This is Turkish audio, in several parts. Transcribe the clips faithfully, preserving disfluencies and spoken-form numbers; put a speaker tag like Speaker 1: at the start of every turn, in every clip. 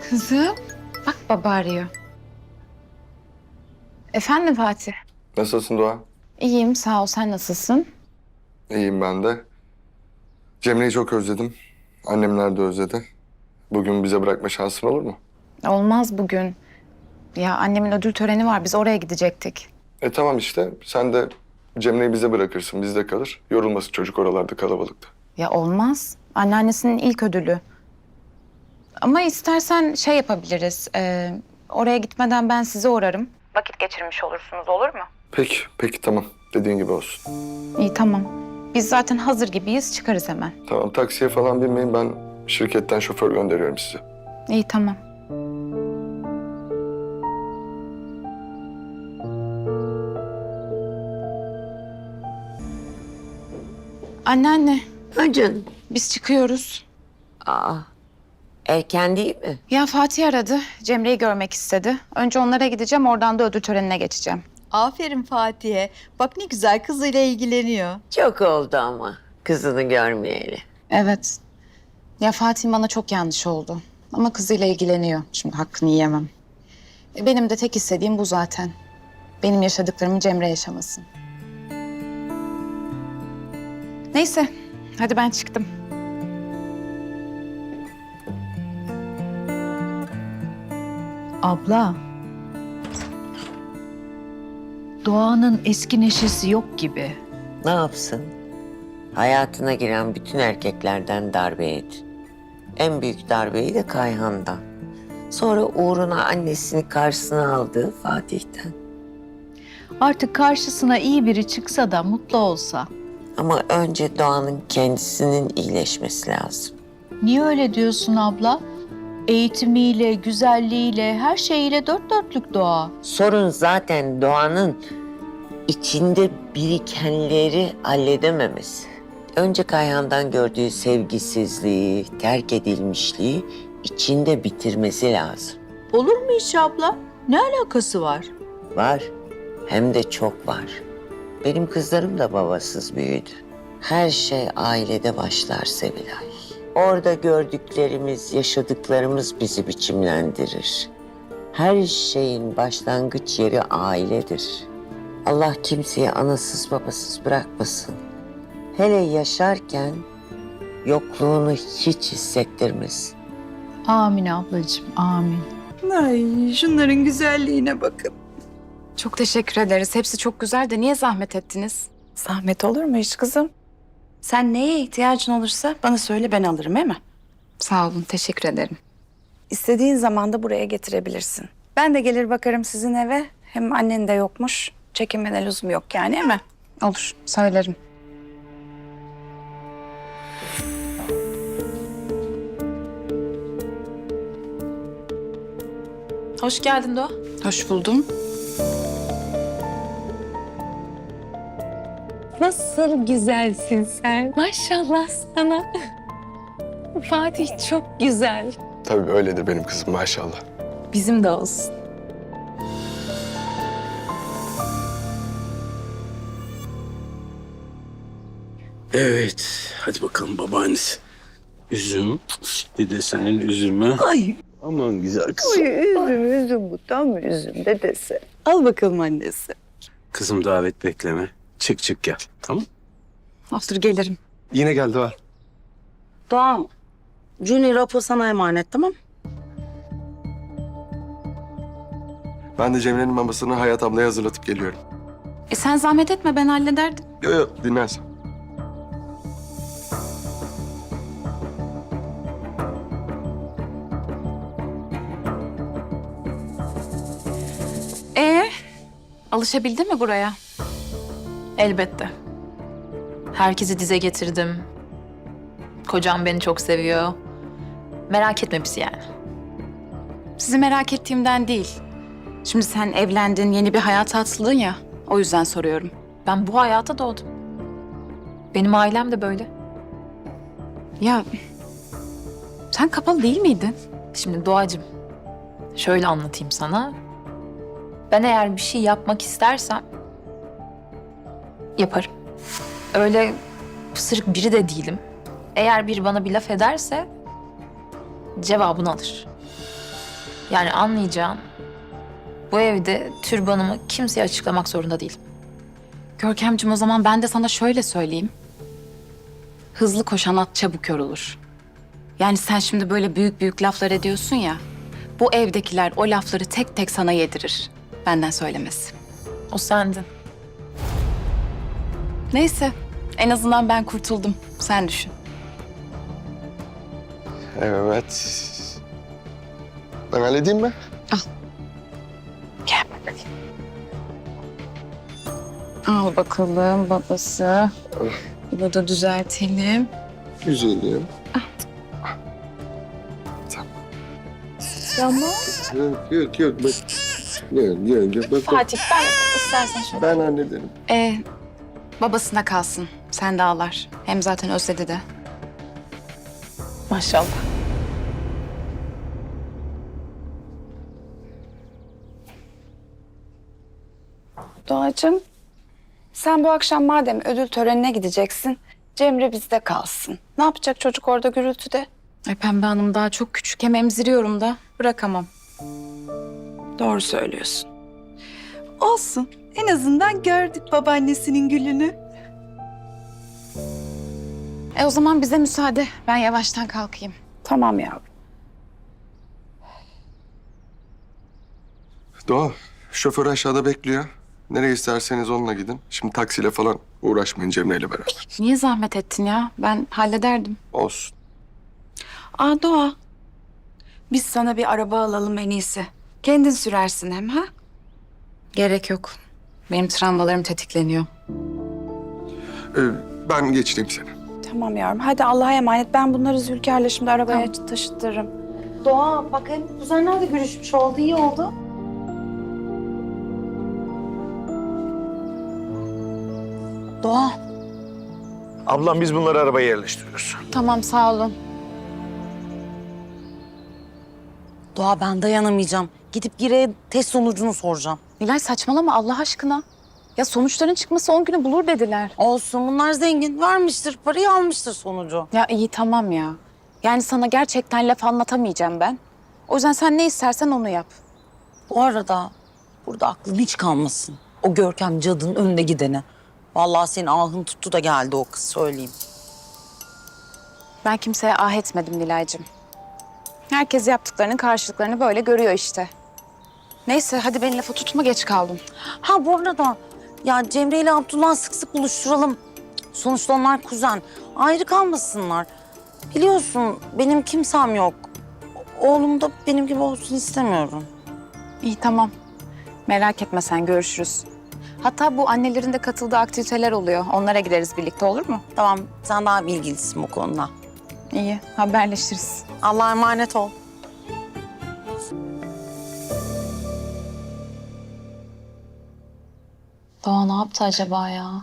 Speaker 1: Kızım, bak baba arıyor. Efendim Fatih?
Speaker 2: Nasılsın Doğa?
Speaker 1: İyiyim, sağ ol. Sen nasılsın?
Speaker 2: İyiyim ben de. Cemre'yi çok özledim. Annemler de özledi. Bugün bize bırakma şansın olur mu?
Speaker 1: Olmaz bugün. Ya annemin ödül töreni var. Biz oraya gidecektik.
Speaker 2: E tamam işte. Sen de Cemre'yi bize bırakırsın. Bizde kalır. Yorulmasın çocuk oralarda kalabalıkta.
Speaker 1: Ya olmaz. Anneannesinin ilk ödülü. Ama istersen şey yapabiliriz. e, oraya gitmeden ben sizi uğrarım. Vakit geçirmiş olursunuz, olur mu?
Speaker 2: Peki, peki tamam. Dediğin gibi olsun.
Speaker 1: İyi, tamam. Biz zaten hazır gibiyiz. Çıkarız hemen.
Speaker 2: Tamam taksiye falan binmeyin. Ben şirketten şoför gönderiyorum size.
Speaker 1: İyi, tamam. Anneanne,
Speaker 3: Ha canım.
Speaker 1: biz çıkıyoruz.
Speaker 3: Aa, erken değil mi?
Speaker 1: Ya Fatih aradı. Cemre'yi görmek istedi. Önce onlara gideceğim, oradan da ödül törenine geçeceğim.
Speaker 4: Aferin Fatih'e. Bak ne güzel kızıyla ilgileniyor.
Speaker 3: Çok oldu ama kızını görmeyeli.
Speaker 1: Evet. Ya Fatih bana çok yanlış oldu. Ama kızıyla ilgileniyor. Şimdi hakkını yiyemem. E, Benim de tek istediğim bu zaten. Benim yaşadıklarımı Cemre yaşamasın. Neyse, hadi ben çıktım.
Speaker 5: Abla. Doğanın eski neşesi yok gibi.
Speaker 3: Ne yapsın? Hayatına giren bütün erkeklerden darbe yedi. En büyük darbeyi de Kayhan'dan. Sonra uğruna annesini karşısına aldığı Fatih'ten.
Speaker 5: Artık karşısına iyi biri çıksa da mutlu olsa.
Speaker 3: Ama önce Doğan'ın kendisinin iyileşmesi lazım.
Speaker 5: Niye öyle diyorsun abla? Eğitimiyle, güzelliğiyle, her şeyiyle dört dörtlük Doğa.
Speaker 3: Sorun zaten Doğan'ın içinde birikenleri halledememesi. Önce Kayhan'dan gördüğü sevgisizliği, terk edilmişliği içinde bitirmesi lazım.
Speaker 5: Olur mu hiç abla? Ne alakası var?
Speaker 3: Var, hem de çok var. Benim kızlarım da babasız büyüdü. Her şey ailede başlar Sevilay. Orada gördüklerimiz, yaşadıklarımız bizi biçimlendirir. Her şeyin başlangıç yeri ailedir. Allah kimseyi anasız babasız bırakmasın. Hele yaşarken yokluğunu hiç hissettirmesin.
Speaker 5: Amin ablacığım, amin.
Speaker 4: Ay şunların güzelliğine bakın.
Speaker 1: Çok teşekkür ederiz. Hepsi çok güzel de niye zahmet ettiniz?
Speaker 6: Zahmet olur mu hiç kızım? Sen neye ihtiyacın olursa bana söyle, ben alırım, değil mi?
Speaker 1: Sağ olun, teşekkür ederim.
Speaker 6: İstediğin zaman da buraya getirebilirsin. Ben de gelir bakarım sizin eve. Hem annen de yokmuş. Çekinmene lüzum yok yani, değil mi?
Speaker 1: Olur, söylerim.
Speaker 7: Hoş geldin Doğa.
Speaker 1: Hoş buldum.
Speaker 8: Nasıl güzelsin sen. Maşallah sana. Fatih çok güzel.
Speaker 2: Tabii öyle de benim kızım maşallah.
Speaker 6: Bizim de olsun.
Speaker 9: Evet, hadi bakalım babaannesi. Üzüm, dedesinin üzümü.
Speaker 4: Ay,
Speaker 9: Aman güzel kızım.
Speaker 4: ay üzüm üzüm bu tam üzüm dedesi. Al bakalım annesi.
Speaker 9: Kızım davet bekleme. Çık çık gel, tamam?
Speaker 1: Olur, gelirim.
Speaker 2: Yine geldi Doğa.
Speaker 6: Doğan, Junior Apo sana emanet, tamam?
Speaker 2: Ben de Cemre'nin mamasını Hayat ablaya hazırlatıp geliyorum.
Speaker 1: E sen zahmet etme, ben hallederdim.
Speaker 2: Yok yok dinlersen.
Speaker 1: Ee, alışabildin mi buraya?
Speaker 7: Elbette. Herkesi dize getirdim. Kocam beni çok seviyor. Merak etme bizi yani.
Speaker 1: Sizi merak ettiğimden değil. Şimdi sen evlendin, yeni bir hayata atıldın ya. O yüzden soruyorum.
Speaker 7: Ben bu hayata doğdum. Benim ailem de böyle.
Speaker 1: Ya sen kapalı değil miydin?
Speaker 7: Şimdi Doğacığım, şöyle anlatayım sana. Ben eğer bir şey yapmak istersem yaparım. Öyle pısırık biri de değilim. Eğer biri bana bir laf ederse cevabını alır. Yani anlayacağın, bu evde türbanımı kimseye açıklamak zorunda değilim.
Speaker 1: Görkemciğim, o zaman ben de sana şöyle söyleyeyim. Hızlı koşan at çabuk yorulur. Yani sen şimdi böyle büyük büyük laflar ediyorsun ya. Bu evdekiler o lafları tek tek sana yedirir. Benden söylemesi.
Speaker 7: O sendin.
Speaker 1: Neyse, en azından ben kurtuldum. Sen düşün.
Speaker 2: Evet. Ben halledeyim mi?
Speaker 1: Gel bakalım. Al bakalım babası. Bunu da düzeltelim.
Speaker 2: Güzelim.
Speaker 1: Tamam.
Speaker 2: Yok yok yok. Bak. Yok yok yok. Bak, bak.
Speaker 1: Fatih, ben istersen şöyle.
Speaker 2: Ben hallederim.
Speaker 1: Ee, babasına kalsın. Sen de ağlar. Hem zaten özledi de.
Speaker 7: Maşallah.
Speaker 6: Doğacığım, sen bu akşam madem ödül törenine gideceksin, Cemre bizde kalsın. Ne yapacak çocuk orada gürültüde?
Speaker 1: Ay Pembe Hanım daha çok küçük. Hem emziriyorum da. Bırakamam.
Speaker 6: Doğru söylüyorsun. Olsun. En azından gördük babaannesinin gülünü.
Speaker 1: E o zaman bize müsaade. Ben yavaştan kalkayım.
Speaker 6: Tamam yavrum.
Speaker 2: Doğa, şoför aşağıda bekliyor. Nereye isterseniz onunla gidin. Şimdi taksiyle falan uğraşmayın Cemre'yle beraber.
Speaker 1: Niye zahmet ettin ya? Ben hallederdim.
Speaker 2: Olsun.
Speaker 6: Aa Doğa, biz sana bir araba alalım en iyisi. Kendin sürersin hem ha?
Speaker 1: Gerek yok. Benim travmalarım tetikleniyor.
Speaker 2: Ee, ben geçireyim seni.
Speaker 6: Tamam yavrum. Hadi Allah'a emanet. Ben bunları Zülkar'la şimdi arabaya taşıtırım. Doğa bak hem kuzenler de görüşmüş oldu. İyi oldu.
Speaker 1: Doğa.
Speaker 9: Ablam biz bunları arabaya yerleştiriyoruz.
Speaker 1: Tamam, sağ olun.
Speaker 10: Doğa, ben dayanamayacağım. Gidip Gire'ye test sonucunu soracağım.
Speaker 1: Nilay saçmalama Allah aşkına. Ya sonuçların çıkması on günü bulur dediler.
Speaker 10: Olsun, bunlar zengin. Vermiştir, parayı almıştır sonucu.
Speaker 1: Ya iyi tamam ya. Yani sana gerçekten laf anlatamayacağım ben. O yüzden sen ne istersen onu yap.
Speaker 10: Bu arada burada aklın hiç kalmasın. O Görkem cadının önünde gideni. Vallahi senin ahın tuttu da geldi o kız, söyleyeyim.
Speaker 1: Ben kimseye ah etmedim Nilay'cığım. Herkes yaptıklarının karşılıklarını böyle görüyor işte. Neyse hadi beni lafa tutma, geç kaldım.
Speaker 10: Ha bu arada ya Cemre ile Abdullah sık sık buluşturalım. Sonuçta onlar kuzen. Ayrı kalmasınlar. Biliyorsun benim kimsem yok. Oğlum da benim gibi olsun istemiyorum.
Speaker 1: İyi tamam. Merak etme sen, görüşürüz. Hatta bu annelerin de katıldığı aktiviteler oluyor. Onlara gideriz birlikte, olur mu?
Speaker 10: Tamam, sen daha bilgilisin bu konuda.
Speaker 1: İyi, haberleşiriz.
Speaker 10: Allah'a emanet ol.
Speaker 1: Doğa ne yaptı acaba ya?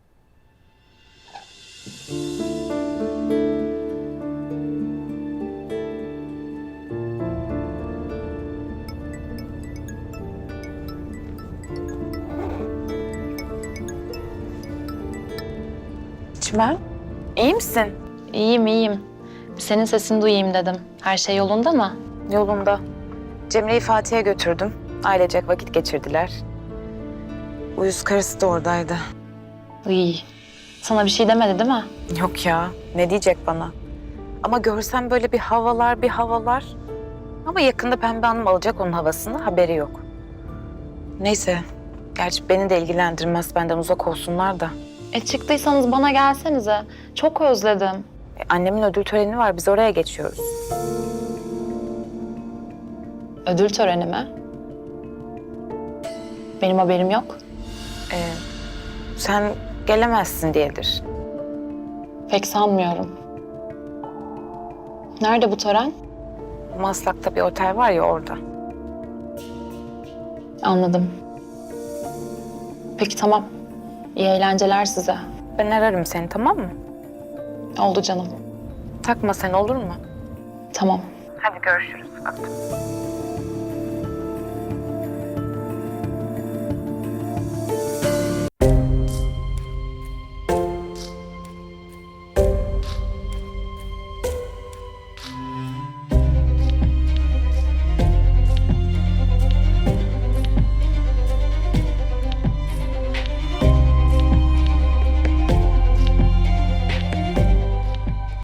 Speaker 6: Çimen, iyi misin?
Speaker 11: İyiyim, iyiyim. Senin sesini duyayım dedim. Her şey yolunda mı?
Speaker 6: Yolunda. Cemre'yi Fatih'e götürdüm. Ailecek vakit geçirdiler. Uyuz karısı da oradaydı.
Speaker 11: İyi. Sana bir şey demedi değil mi?
Speaker 6: Yok ya, ne diyecek bana? Ama görsem böyle bir havalar, bir havalar. Ama yakında Pembe Hanım alacak onun havasını, haberi yok. Neyse, gerçi beni de ilgilendirmez, benden uzak olsunlar da.
Speaker 11: E çıktıysanız bana gelsenize. Çok özledim.
Speaker 6: E, annemin ödül töreni var, biz oraya geçiyoruz.
Speaker 11: Ödül töreni mi? Benim haberim yok.
Speaker 6: E, sen gelemezsin diyedir.
Speaker 11: Pek sanmıyorum. Nerede bu tören?
Speaker 6: Maslak'ta bir otel var ya, orada.
Speaker 11: Anladım. Peki tamam. İyi eğlenceler size.
Speaker 6: Ben ararım seni, tamam mı?
Speaker 11: Oldu canım.
Speaker 6: Takma sen, olur mu?
Speaker 11: Tamam.
Speaker 6: Hadi görüşürüz. Öptüm.